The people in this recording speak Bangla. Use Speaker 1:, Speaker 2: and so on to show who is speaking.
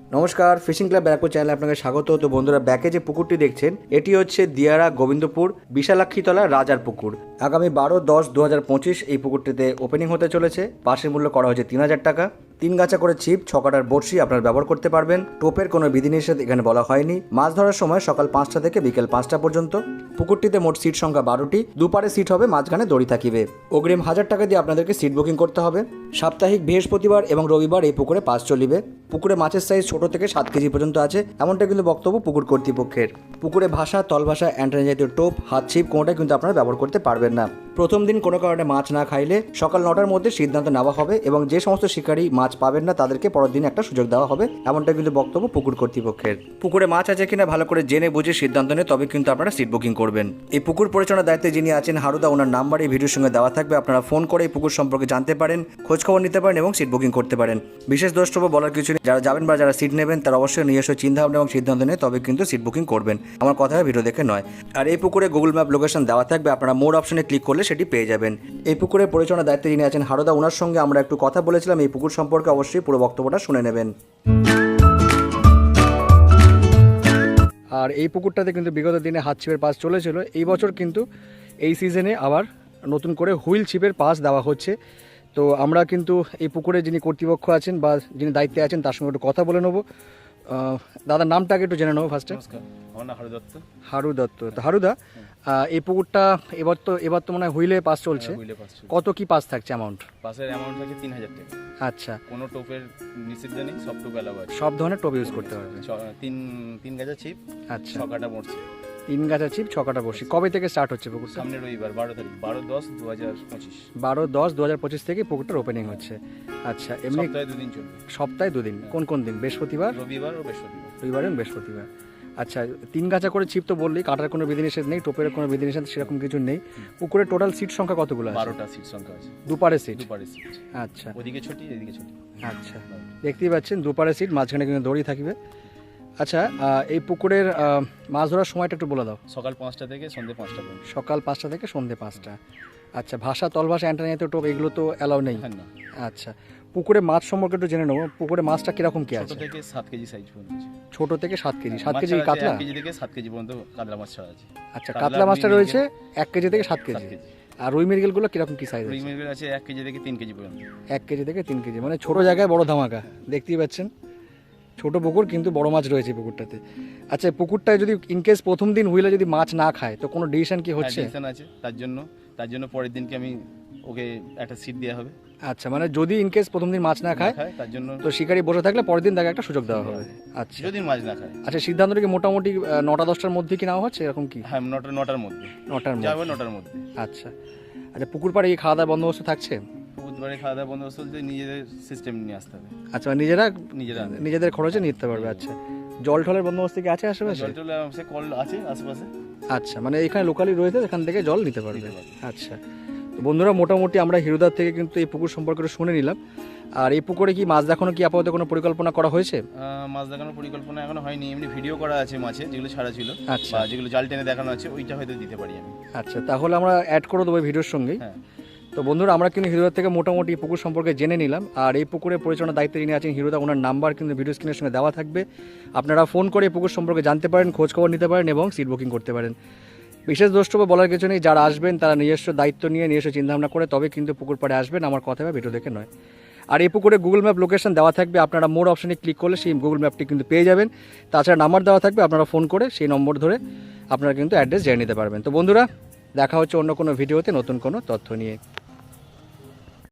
Speaker 1: নমস্কার, ফিশিং ক্লাব ব্যারাকপুর চ্যানেলে আপনাকে স্বাগত। তো বন্ধুরা, ব্যাকে যে পুকুরটি দেখছেন এটি হচ্ছে দিয়ারা গোবিন্দপুর বিশালাক্ষীতলা রাজার পুকুর। আগামী 12-10-2025 এই পুকুরটিতে ওপেনিং হতে চলেছে। পাশের মূল্য করা হয়েছে 3000 টাকা। 3 গাছা করে ছিপ, 6 কাটার বড়শি আপনারা ব্যবহার করতে পারবেন। টোপের কোনো বিধিনিষেধ এখানে বলা হয়নি। মাছ ধরার সময় সকাল 5টা থেকে বিকেল 5টা পর্যন্ত। পুকুরটিতে মোট সিট সংখ্যা 12টি। দুপারে সিট হবে, মাঝখানে দড়ি থাকিবে। অগ্রিম 1000 টাকা দিয়ে আপনাদেরকে সিট বুকিং করতে হবে। সাপ্তাহিক বৃহস্পতিবার এবং রবিবার এই পুকুরে পাস চলিবে। পুকুরে মাছের সাইজ ছোট থেকে 7 কেজি পর্যন্ত আছে, এমনটা কিন্তু বক্তব্য পুকুর কর্তৃপক্ষের। পুকুরে ভাষা, তল ভাষা, অ্যান্টেনা জাতীয় টোপ, হাত ছিপ কোনোটাই কিন্তু আপনারা ব্যবহার করতে পারবেন না। প্রথম দিন কোনো কারণে মাছ না খাইলে সকাল 9টার মধ্যে সিদ্ধান্ত নেওয়া হবে এবং যে সমস্ত শিকারী মাছ পাবেন না তাদেরকে পরের দিন একটা সুযোগ দেওয়া হবে, এমনটা কিন্তু বক্তব্য পুকুর কর্তৃপক্ষের। পুকুরে মাছ আছে কিনা ভালো করে জেনে বুঝে সিদ্ধান্ত নিয়ে তবে কিন্তু আপনারা সিট বুকিং করবেন। এই পুকুর পরিচালনার দায়িত্বে যিনি আছেন হারুদা, ওনার নাম্বার এই ভিডিওর সঙ্গে দেওয়া থাকবে। আপনারা ফোন করে এই পুকুর সম্পর্কে জানতে পারেন, খোঁজ খবর নিতে পারেন এবং সিট বুকিং করতে পারেন। বিশেষ দ্রষ্টব্য বলার কিছু নেই, যারা যাবেন বা যারা সিট নেবেন তারা অবশ্যই নিজস্ব চিন্তাভাবনা এবং সিদ্ধান্ত নিয়ে তবে কিন্তু সিট বুকিং করবেন। আমার কথা ভিডিও দেখে নয়। আর এই পুকুরে গুগল ম্যাপ লোকেশন দেওয়া থাকবে, আপনারা মোর অপশনে ক্লিক করলে সেটি পেয়ে যাবেন। এই পুকুরের পরিচালনার দায়িত্বে যিনি আছেন হারুদা, ওনার সঙ্গে আমরা একটু কথা বলেছিলাম। এই পুকুর সম্পর্কে অবশ্যই পুরো বক্তব্যটা শুনে নেবেন। আর এই পুকুরটাতে কিন্তু বিগত দিনে হাত ছিপের পাস চলেছিল। এই বছর কিন্তু এই সিজনে আবার নতুন করে হুইল ছিপের পাস দেওয়া হচ্ছে। তো আমরা কিন্তু এই পুকুরে যিনি কর্তৃপক্ষ আছেন বা যিনি দায়িত্বে আছেন তার সঙ্গে একটু কথা বলে নেবো। দাদার নামটাকে একটু জেনে নেবো ফার্স্টে। হারু দত্ত। তো হারুদা, এই পুকুরটা এবার তো মনে হয় হুইলে পাস চলছে। কত কি পাস থাকছে অ্যামাউন্ট?
Speaker 2: পাসের অ্যামাউন্ট থাকে 3000 টাকা।
Speaker 1: আচ্ছা,
Speaker 2: কোনো টোপের নিষিদ্ধ নেই, সব টোপ অ্যালাউ আছে।
Speaker 1: সব ধরনের টোপ ইউজ করতে পারবে।
Speaker 2: তিন গাছা ছিপ,
Speaker 1: আচ্ছা,
Speaker 2: 6 কাটা মরছে।
Speaker 1: 3 গাছা ছিপ, 6 কাটা বড়শি। কবে থেকে স্টার্ট হচ্ছে পুকুরটা?
Speaker 2: সামনে রবিবার 12 তারিখ, 12-10-2025।
Speaker 1: 12-10-2025 থেকে পুকুরটার ওপেনিং হচ্ছে। আচ্ছা, এমনি
Speaker 2: সপ্তাহে 2 দিন চলবে।
Speaker 1: সপ্তাহে 2 দিন। কোন কোন দিন? বৃহস্পতিবার,
Speaker 2: রবিবার ও বৃহস্পতিবার।
Speaker 1: রবিবার এবং বৃহস্পতিবার। আচ্ছা, 3 গাছা করে ছিপ তো বললি, কাটার কোনো বিধিনিষেধ নেই, টোপের কোনো বিধিনিষেধ সেরকম কিছু নেই। পুকুরে টোটাল সিট সংখ্যা কতগুলো আছে?
Speaker 2: 12টা সিট সংখ্যা আছে।
Speaker 1: দুপারে সিট?
Speaker 2: দুপারে সিট।
Speaker 1: আচ্ছা,
Speaker 2: ওদিকে ছোটি, এদিকে ছোটি।
Speaker 1: আচ্ছা, দেখতেই পাচ্ছেন দুপারে সিট, মাঝখানে কিন্তু দড়ি থাকবে। আচ্ছা, এই পুকুরের মাছ ধরার সময়টা একটু বলে দাও।
Speaker 2: সকাল 5টা থেকে সন্ধ্যে 5টা পর্যন্ত।
Speaker 1: সকাল 5টা থেকে সন্ধ্যে 5টা। আচ্ছা, ভাষা, তল ভাষা, অ্যান্টেনা জাতীয় টোপ এগুলো তো অ্যালাউ নেই?
Speaker 2: হ্যাঁ, না।
Speaker 1: আচ্ছা, পুকুরে মাছ সম্পর্কে একটু জেনে নেবো। পুকুরে মাছটা কিরকম কি
Speaker 2: ছোট
Speaker 1: আছে?
Speaker 2: থেকে 7 কেজি সাইজ পর্যন্ত আছে।
Speaker 1: ছোট থেকে 7 কেজি। 7
Speaker 2: মাছ
Speaker 1: কেজি
Speaker 2: ছাড়া আছে,
Speaker 1: কাতলা?
Speaker 2: 1 কেজি থেকে 7 কেজি পর্যন্ত কাতলা মাছ ছাড়া আছে।
Speaker 1: আচ্ছা, কাতলা মাছটা রয়েছে 1 কেজি থেকে 7 কেজি।
Speaker 2: 7 কেজি।
Speaker 1: আর রুই মৃগেলগুলো কিরকম কি সাইজ
Speaker 2: রুই
Speaker 1: আছে?
Speaker 2: মৃগেল আছে 1 কেজি থেকে 3 কেজি পর্যন্ত।
Speaker 1: 1 কেজি থেকে 3 কেজি, মানে ছোট জায়গায় বড় ধামাকা। দেখতেই পাচ্ছেন ছোট পুকুর কিন্তু বড় মাছ রয়েছে পুকুরটাতে। আচ্ছা, পুকুরটায় যদি ইনকেস প্রথম দিন হুইলে যদি মাছ না খায় তো কোনো ডিসিশন কি হচ্ছে?
Speaker 2: ডিসিশন আছে, তার জন্য পরের দিনকে আমি ওকে একটা সিট দেওয়া হবে।
Speaker 1: আচ্ছা, মানে যদি ইনকেস প্রথম দিন মাছ না খায়
Speaker 2: তার জন্য
Speaker 1: তো শিকারি বসে থাকলে পরের দিন তাকে একটা সুযোগ দেওয়া হবে। আচ্ছা,
Speaker 2: যদি মাছ না খায়।
Speaker 1: আচ্ছা, সিদ্ধান্তটা কি মোটামুটি 9টা-10টার মধ্যে কি নেওয়া হচ্ছে এরকম কি?
Speaker 2: হ্যাঁ, 9টার মধ্যে।
Speaker 1: 9টার মধ্যে
Speaker 2: যাবে 9টার মধ্যে।
Speaker 1: আচ্ছা, আচ্ছা, পুকুর পাড়ে কি খাওয়া দাওয়ার বন্দোবস্ত থাকছে?
Speaker 2: বুধবারে খাওয়া দাওয়া বন্দোবস্ত চলছে, নিজেদের সিস্টেম নিয়ে আসতে হবে।
Speaker 1: আচ্ছা,
Speaker 2: নিজেরা
Speaker 1: নিজেদের খরচে নিতে পারবে। আচ্ছা, জল টলের বন্দোবস্ত কি আছে আশেপাশে?
Speaker 2: জল টলে সে কল আছে আশেপাশে।
Speaker 1: আচ্ছা, মানে এখানে লোকালি রয়েছে, এখান থেকে জল নিতে পারবে। আচ্ছা, তো বন্ধুরা, মোটামুটি আমরা হিরুদার থেকে কিন্তু এই পুকুর সম্পর্কে শুনে নিলাম। আর এই পুকুরে কি মাছ দেখানো কি আপাতত কোনো পরিকল্পনা করা হয়েছে?
Speaker 2: মাছ দেখানোর পরিকল্পনা এখনো হয়নি, এমনি ভিডিও করা আছে মাছের যেগুলো ছাড়া ছিল।
Speaker 1: আচ্ছা,
Speaker 2: বা যেগুলো জাল টেনে দেখানো আছে ওইটা হয়তো দিতে পারি আমি।
Speaker 1: আচ্ছা, তাহলে আমরা অ্যাড করে দেবো ভিডিওর সঙ্গেই।
Speaker 2: হ্যাঁ।
Speaker 1: তো বন্ধুরা, আমরা কিন্তু হিরোদার থেকে মোটামুটি পুকুর সম্পর্কে জেনে নিলাম। আর এই পুকুরের পরিচালনার দায়িত্বে যিনি আছেন হিরোদা, ওনার নাম্বার কিন্তু ভিডিও স্ক্রিনের সঙ্গে দেওয়া থাকবে। আপনারা ফোন করে এই পুকুর সম্পর্কে জানতে পারেন, খোঁজ খবর নিতে পারেন এবং সিট বুকিং করতে পারেন। বিশেষ দ্রষ্টব্য বলার কিছু নেই, যারা আসবেন তারা নিজস্ব দায়িত্ব নিয়ে নিজস্ব চিন্তাভাবনা করে তবে কিন্তু পুকুর পাড়ে আসবেন, আমার কথা হবে ভিডিও দেখে নয়। আর এই পুকুরে গুগল ম্যাপ লোকেশন দেওয়া থাকবে, আপনারা মোর অপশনে ক্লিক করলে সেই গুগল ম্যাপটি কিন্তু পেয়ে যাবেন। তাছাড়া নাম্বার দেওয়া থাকবে, আপনারা ফোন করে সেই নম্বর ধরে আপনারা কিন্তু অ্যাড্রেস জেনে নিতে পারবেন। তো বন্ধুরা, দেখা হচ্ছে অন্য কোনো ভিডিওতে নতুন কোনো তথ্য নিয়ে।